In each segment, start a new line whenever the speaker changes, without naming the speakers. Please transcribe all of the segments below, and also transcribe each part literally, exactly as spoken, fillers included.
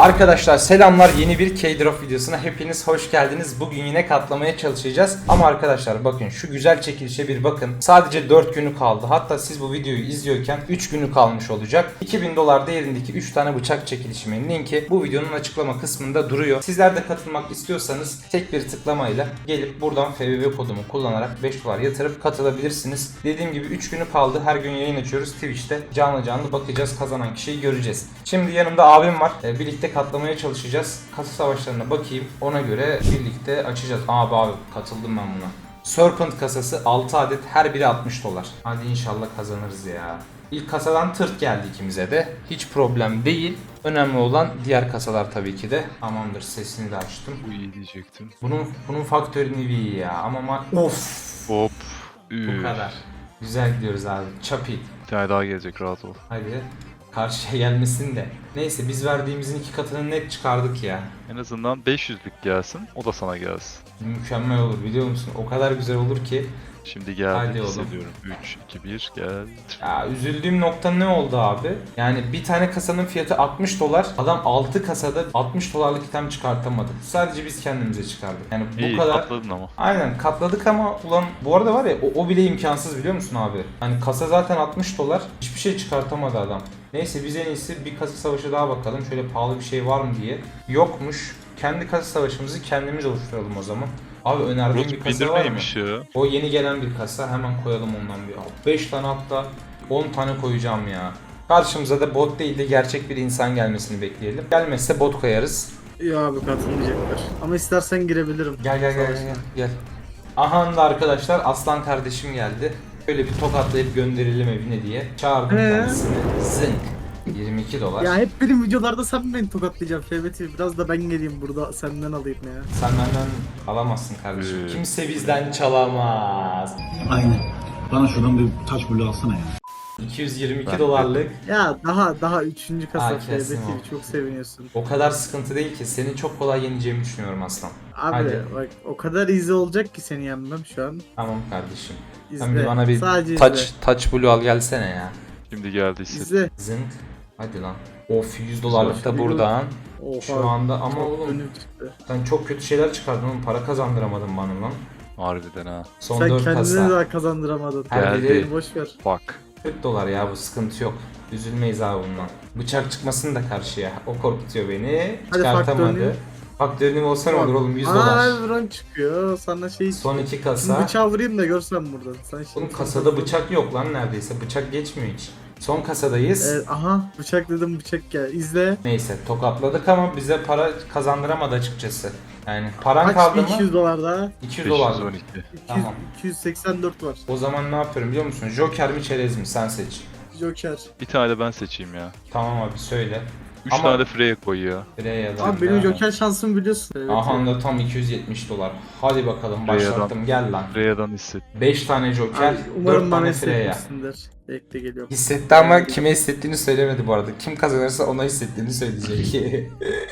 Arkadaşlar selamlar, yeni bir K-Drop videosuna hepiniz hoş geldiniz. Bugün yine katlamaya çalışacağız. Ama arkadaşlar bakın şu güzel çekilişe bir bakın. Sadece dört günü kaldı. Hatta siz bu videoyu izliyorken üç günü kalmış olacak. iki bin dolar değerindeki üç tane bıçak çekilişimin linki bu videonun açıklama kısmında duruyor. Sizler de katılmak istiyorsanız tek bir tıklamayla gelip buradan F B V kodumu kullanarak beş dolar yatırıp katılabilirsiniz. Dediğim gibi üç günü kaldı. Her gün yayın açıyoruz Twitch'te. Canlı canlı bakacağız. Kazanan kişiyi göreceğiz. Şimdi yanımda abim var. Ee, birlikte katlamaya çalışacağız. Kasa savaşlarına bakayım. Ona göre birlikte açacağız. Abi abi katıldım ben buna. Serpent kasası altı adet, her biri altmış dolar. Hadi inşallah kazanırız ya. İlk kasadan tırt geldi ikimize de. Hiç problem değil. Önemli olan diğer kasalar tabii ki de. Tamamdır, sesini de açtım.
Bu iyi diyecektim.
Bunun bunun faktörünü iyi ya ama ma- of.
Hop.
Bu
Üf.
kadar. Güzel gidiyoruz abi. Çapit.
Bir tane daha gelecek, rahat ol.
Hadi karşıya gelmesin de. Neyse biz verdiğimizin iki katını net çıkardık ya.
En azından beş yüzlük gelsin, o da sana gelsin.
Mükemmel olur biliyor musun? O kadar güzel olur ki.
Şimdi geldi,
Hadi oğlum.
hissediyorum. üç, iki, bir, gel.
Ya üzüldüğüm nokta ne oldu abi? Yani bir tane kasanın fiyatı altmış dolar. Adam altı kasada altmış dolarlık item çıkartamadı. Sadece biz kendimize çıkardık. Yani bu
İyi,
kadar.
katladın ama.
Aynen katladık ama ulan bu arada var ya o, o bile imkansız biliyor musun abi? Hani kasa zaten altmış dolar. Hiçbir şey çıkartamadı adam. Neyse biz en iyisi bir kasa savaşı daha bakalım. Şöyle pahalı bir şey var mı diye. Yokmuş. Kendi kasa savaşımızı kendimiz oluşturalım o zaman. Abi önerdiğim bir
Root
kasa
Binder
var mı?
neymiş ya?
O yeni gelen bir kasa. Hemen koyalım ondan bir. beş tane hatta on tane koyacağım ya. Karşımıza da bot değil de gerçek bir insan gelmesini bekleyelim. Gelmezse bot koyarız.
Ya abi katılmayacaklar. Ama istersen girebilirim.
Gel gel gel gel gel. Aha da arkadaşlar Aslan kardeşim geldi. Böyle bir tokatlayıp gönderelim evine diye. Çağırdım
Ee?
kendisini. Zınk. yirmi iki dolar.
Ya hep benim videolarda sen beni tokatlayacaksın F B T. Biraz da ben geleyim burada senden alayım ya.
Sen benden alamazsın kardeşim.
Ee.
Kimse bizden çalamaz.
Aynen. Bana şuradan bir taş bulu alsana ya.
iki yüz yirmi iki
Ben-
dolarlık.
Ya daha daha üçüncü kasa
Aa,
F B
kesin
T
o.
çok seviniyorsun.
O kadar sıkıntı değil ki. Seni çok kolay yeneceğimi düşünüyorum Aslan.
Abi
Hadi.
bak o kadar easy olacak ki seni yenmem şu an.
Tamam kardeşim.
İzle.
Sen bir bana bir
Sadece
touch,
izle.
touch blue al gelsene ya.
Şimdi geldi, hisset.
İzle.
Zınk. Hadi lan. Of yüz dolarlık da
Güzel.
buradan.
Oha.
Şu anda ama
çok
oğlum
önüm çıktı.
sen çok kötü şeyler çıkardın oğlum. Para kazandıramadın bana lan.
Harbiden ha.
Son
Sen
dört
kendine
kasa.
daha kazandıramadın.
Her
Geldi.
biri
Boş ver.
Bak.
kırk dolar ya, bu sıkıntı yok. Üzülmeyiz abi bundan. Bıçak çıkmasın da karşıya. O korkutuyor beni.
Hadi
Çıkartamadı.
faktörünü.
Faktörünüm olsa ne olur oğlum, yüz dolar.
Aa drone çıkıyor. Sana şey
Son iki
Şimdi
kasa.
bıçağı vurayım da görsen buradan. Sen şimdi
Oğlum kasada bıçak yok lan neredeyse. Bıçak geçmiyor hiç. Son kasadayız.
Evet, aha bıçak dedim bıçak gel. İzle.
Neyse tokatladık ama bize para kazandıramadı açıkçası. Yani paran
Kaç
kaldı
bir
mı?
iki yüz dolar daha?
iki yüz dolar.
beş yüz on iki.
iki yüz,
Tamam.
iki yüz seksen dört var.
O zaman ne yapıyorum biliyor musun? Joker mi çerez mi? Sen seç.
Joker.
Bir tane de ben seçeyim ya.
Tamam abi söyle.
üç
Ama-
tane de Freya koy ya.
Freya da.
Abi benim Joker şansımı biliyorsun. Evet,
Aha
evet.
da tam iki yüz yetmiş dolar. Hadi bakalım
Freya'dan.
başlattım, gel lan.
Freya'dan hisset.
beş tane Joker,
Abi, umarım
dört
bana
tane Freya.
hissetmişsindir. Bekle geliyorum.
Hissetti ama kime hissettiğini söylemedi bu arada. Kim kazanırsa ona hissettiğini söyleyecek.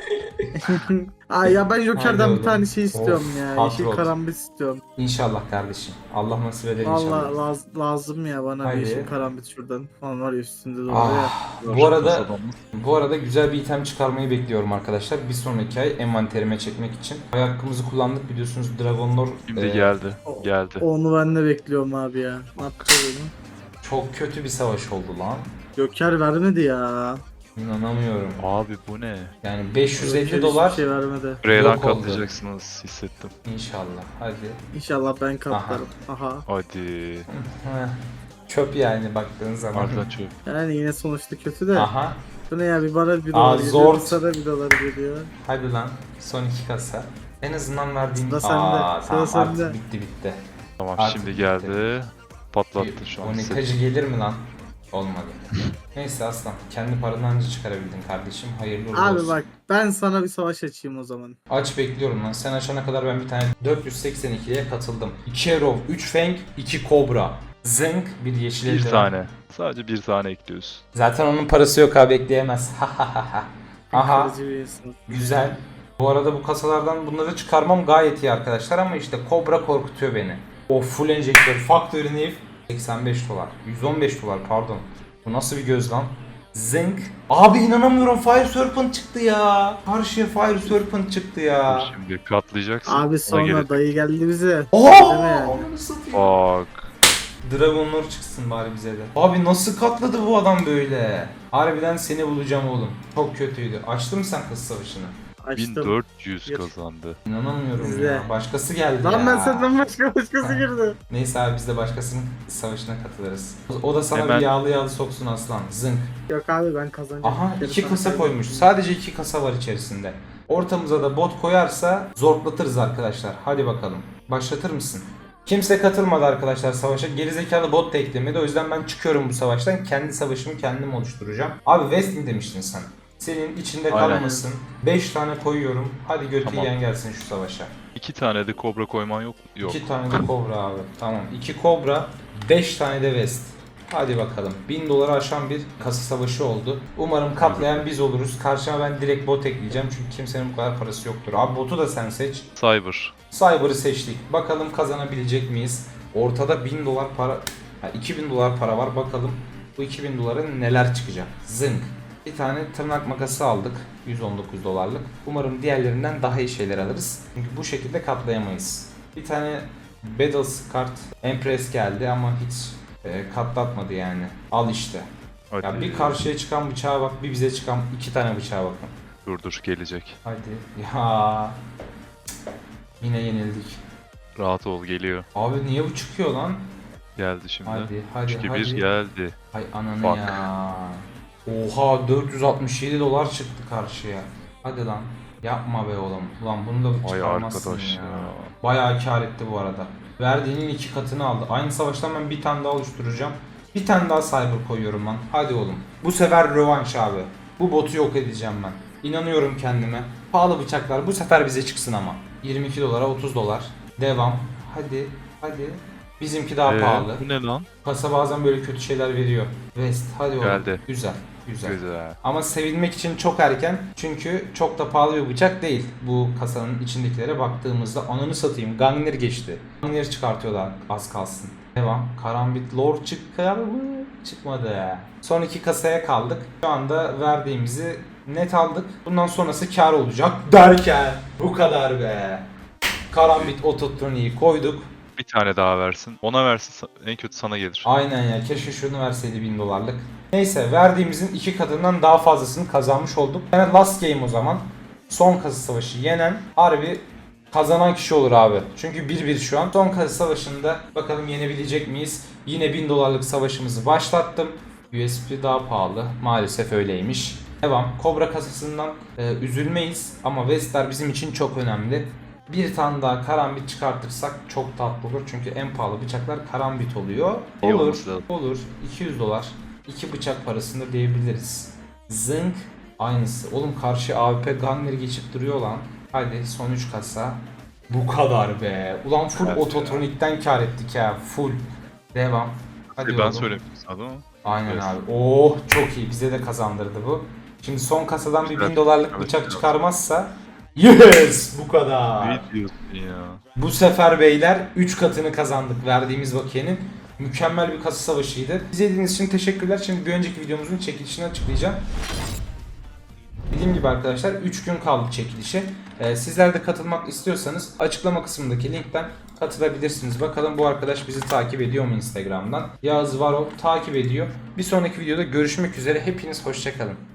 Aa ya ben
Hadi
Joker'den
oğlum.
bir tane şey istiyorum
Of,
ya.
hot
Yeşil
rod.
karambit istiyorum.
İnşallah kardeşim. Allah nasip eder
Valla
inşallah.
laz- lazım ya bana
Hadi.
bir yeşil karambit şuradan. Falan var ya üstünde de
Ah,
ya.
bu arada
Kasadan mı?
bu arada güzel bir item çıkarmayı bekliyorum arkadaşlar. Bir sonraki ay envanterime çekmek için. Ay hakkımızı kullandık biliyorsunuz, Dragonlord
Şimdi
e,
geldi. Geldi.
Onu ben de bekliyorum abi ya. Ne yapacağız onu?
çok kötü bir savaş oldu lan.
Joker vermedi ya.
İnanamıyorum.
Abi bu ne?
Yani beş yüz elli
Joker
dolar
hiçbir şey vermedi.
Freya'dan
Yok oldu.
katlayacaksınız, hissettim.
inşallah. Hadi.
İnşallah ben katlarım. Aha.
Hadi.
Heh. Çöp yani baktığın zaman.
Harbiden çöp.
Yani yine sonuçta kötü de.
Aha.
Bu ne ya bir bana bir
Aa,
dolar geliyor,
zor.
bir sana bir dolar geliyor.
Hadi lan. Son iki kasa. En azından verdiğim...
Sıra sende,
Aa,
sıra
tamam
sende.
artık bitti bitti.
Tamam,
Artık
şimdi
bitti.
geldi. Patlattı şu an.
O
hissettim.
nekacı gelir mi lan? Olmadı. Neyse aslan. Kendi paranı önce çıkarabildin kardeşim. Hayırlı uğurlu
Abi
olsun.
bak ben sana bir savaş açayım o zaman.
Aç bekliyorum lan. Sen açana kadar ben bir tane dört yüz seksen ikiye katıldım. iki Arrow, üç Fang, iki Cobra. Zınk, bir yeşil
Bir
eldiven.
tane. Sadece bir tane ekliyoruz.
Zaten onun parası yok abi, ekleyemez. Aha.
Kırıcı bir insan.
Güzel. Bu arada bu kasalardan bunları çıkarmam gayet iyi arkadaşlar ama işte Cobra korkutuyor beni. O full enjektör, Factory Nif seksen beş dolar. yüz on beş dolar pardon. Bu nasıl bir göz lan? Zınk. Abi inanamıyorum, Fire Serpent çıktı ya. Karşıya Fire Serpent çıktı ya.
Şimdi katlayacaksın.
Abi
ona
sonra
göre-
dayı geldi bize.
Ooo!
Deme.
Onu satayım.
Bak.
Dragonlord çıksın bari bize de. Abi nasıl katladı bu adam böyle? Harbiden seni bulacağım oğlum. Çok kötüydü. Açtın mı sen kız savaşını?
Açtım.
bin dört yüz
Gir.
kazandı.
İnanamıyorum
İzle.
ya. Başkası geldi
Lan
ya.
ben senden başka başkası girdi.
Neyse abi, biz de başkasının savaşına katılırız. O da sana
Hemen-
bir yağlı yağlı soksun aslan. Zınk.
Yok abi ben kazanacağım.
Aha,
Geri
iki
sana
kasa
kaybettim.
koymuş. Sadece iki kasa var içerisinde. Ortamıza da bot koyarsa zorlatırız arkadaşlar. Hadi bakalım. Başlatır mısın? Kimse katılmadı arkadaşlar savaşa. Gerizekalı bot da eklemedi. O yüzden ben çıkıyorum bu savaştan. Kendi savaşımı kendim oluşturacağım. Abi West mi demiştin sen? Senin içinde
Aynen.
kalmasın. beş tane koyuyorum. Hadi götü
Tamam.
yiyen gelsin şu savaşa.
İki tane de kobra koyman yok mu? Yok.
iki tane de Cobra abi. Tamam. iki Cobra, beş tane de West. Hadi bakalım. bin doları aşan bir kasa savaşı oldu. Umarım katlayan biz oluruz. Karşıma ben direkt bot ekleyeceğim. Çünkü kimsenin bu kadar parası yoktur. Abi botu da sen seç.
Cyber.
Cyber'ı seçtik. Bakalım kazanabilecek miyiz? Ortada bin dolar para... Ha, iki bin dolar para var. Bakalım bu iki bin dolara neler çıkacak. Zınk. Bir tane tırnak makası aldık. yüz on dokuz dolarlık. Umarım diğerlerinden daha iyi şeyler alırız. Çünkü bu şekilde katlayamayız. Bir tane Battle Card Empress geldi ama hiç e, katlatmadı yani. Al işte.
Hadi.
Ya bir karşıya çıkan bıçağa bak, bir bize çıkan iki tane bıçağa bakın.
Dur dur gelecek.
Hadi. Ya. Yine yenildik.
Rahat ol geliyor.
Abi niye bu çıkıyor lan?
Geldi şimdi.
Hadi hadi
üç iki
hadi.
bir geldi.
Hay ananı
Bak.
ya. Oha, dört yüz altmış yedi dolar çıktı karşıya. Hadi lan. Yapma be oğlum. Ulan bunu da
Vay
çıkarmazsın
arkadaş
ya.
ya.
Bayağı kar etti bu arada. Verdiğinin iki katını aldı. Aynı savaştan ben bir tane daha oluşturacağım. Bir tane daha cyber koyuyorum lan. Hadi oğlum. Bu sefer rövanş abi. Bu botu yok edeceğim ben. İnanıyorum kendime. Pahalı bıçaklar bu sefer bize çıksın ama. yirmi iki dolara otuz dolar. Devam. Hadi. Hadi. Bizimki daha
Ee,
pahalı.
Bu ne lan?
Kasa bazen böyle kötü şeyler veriyor. West hadi oğlum.
Geldi.
Güzel. Güzel.
Güzel.
Ama sevinmek için çok erken. Çünkü çok da pahalı bir bıçak değil. Bu kasanın içindekilere baktığımızda ananı satayım. Gungnir geçti. Gungnir çıkartıyorlar az kalsın. Devam. Karambit Lord çıkar mı? Çıkmadı. Son iki kasaya kaldık. Şu anda verdiğimizi net aldık. Bundan sonrası kar olacak derken bu kadar be. Karambit Ototroni'yi koyduk.
Bir tane daha versin. Ona versin en kötü sana gelir.
Aynen ya, keşke şunu verseydi bin dolarlık. Neyse, verdiğimizin iki katından daha fazlasını kazanmış olduk. Yani last game o zaman. Son kasa savaşı yenen harbi kazanan kişi olur abi. Çünkü bir bir şu an. Son kasa savaşında bakalım yenebilecek miyiz? Yine bin dolarlık savaşımızı başlattım. U S B daha pahalı. Maalesef öyleymiş. Devam. Cobra kasasından e, üzülmeyiz ama Westler bizim için çok önemli. Bir tane daha karambit çıkartırsak çok tatlı olur. Çünkü en pahalı bıçaklar karambit oluyor.
İyi
Olur,
olması lazım.
olur. iki yüz dolar. iki bıçak parasında diyebiliriz. Zınk. Aynısı. Oğlum karşı A W P Gunner geçip duruyor lan. Hadi son üç kasa. Bu kadar be. Ulan full
Evet
ototronikten kar ettik ya. Full. Devam. Hadi
ben
oğlum.
söylemiştim sana değil mi?
Aynen
Evet.
abi. Oh çok iyi. Bize de kazandırdı bu. Şimdi son kasadan bir
Evet,
bin dolarlık
evet,
bıçak
evet.
çıkarmazsa yes, bu kadar.
Ne diyorsun ya?
Bu sefer beyler üç katını kazandık verdiğimiz bakiyenin. Mükemmel bir kasa savaşıydı. İzlediğiniz için teşekkürler. Şimdi bir önceki videomuzun çekilişini açıklayacağım. Dediğim gibi arkadaşlar üç gün kaldı çekilişe. Ee, sizler de katılmak istiyorsanız açıklama kısmındaki linkten katılabilirsiniz. Bakalım bu arkadaş bizi takip ediyor mu Instagram'dan? Yağız Varol takip ediyor. Bir sonraki videoda görüşmek üzere. Hepiniz hoşça kalın.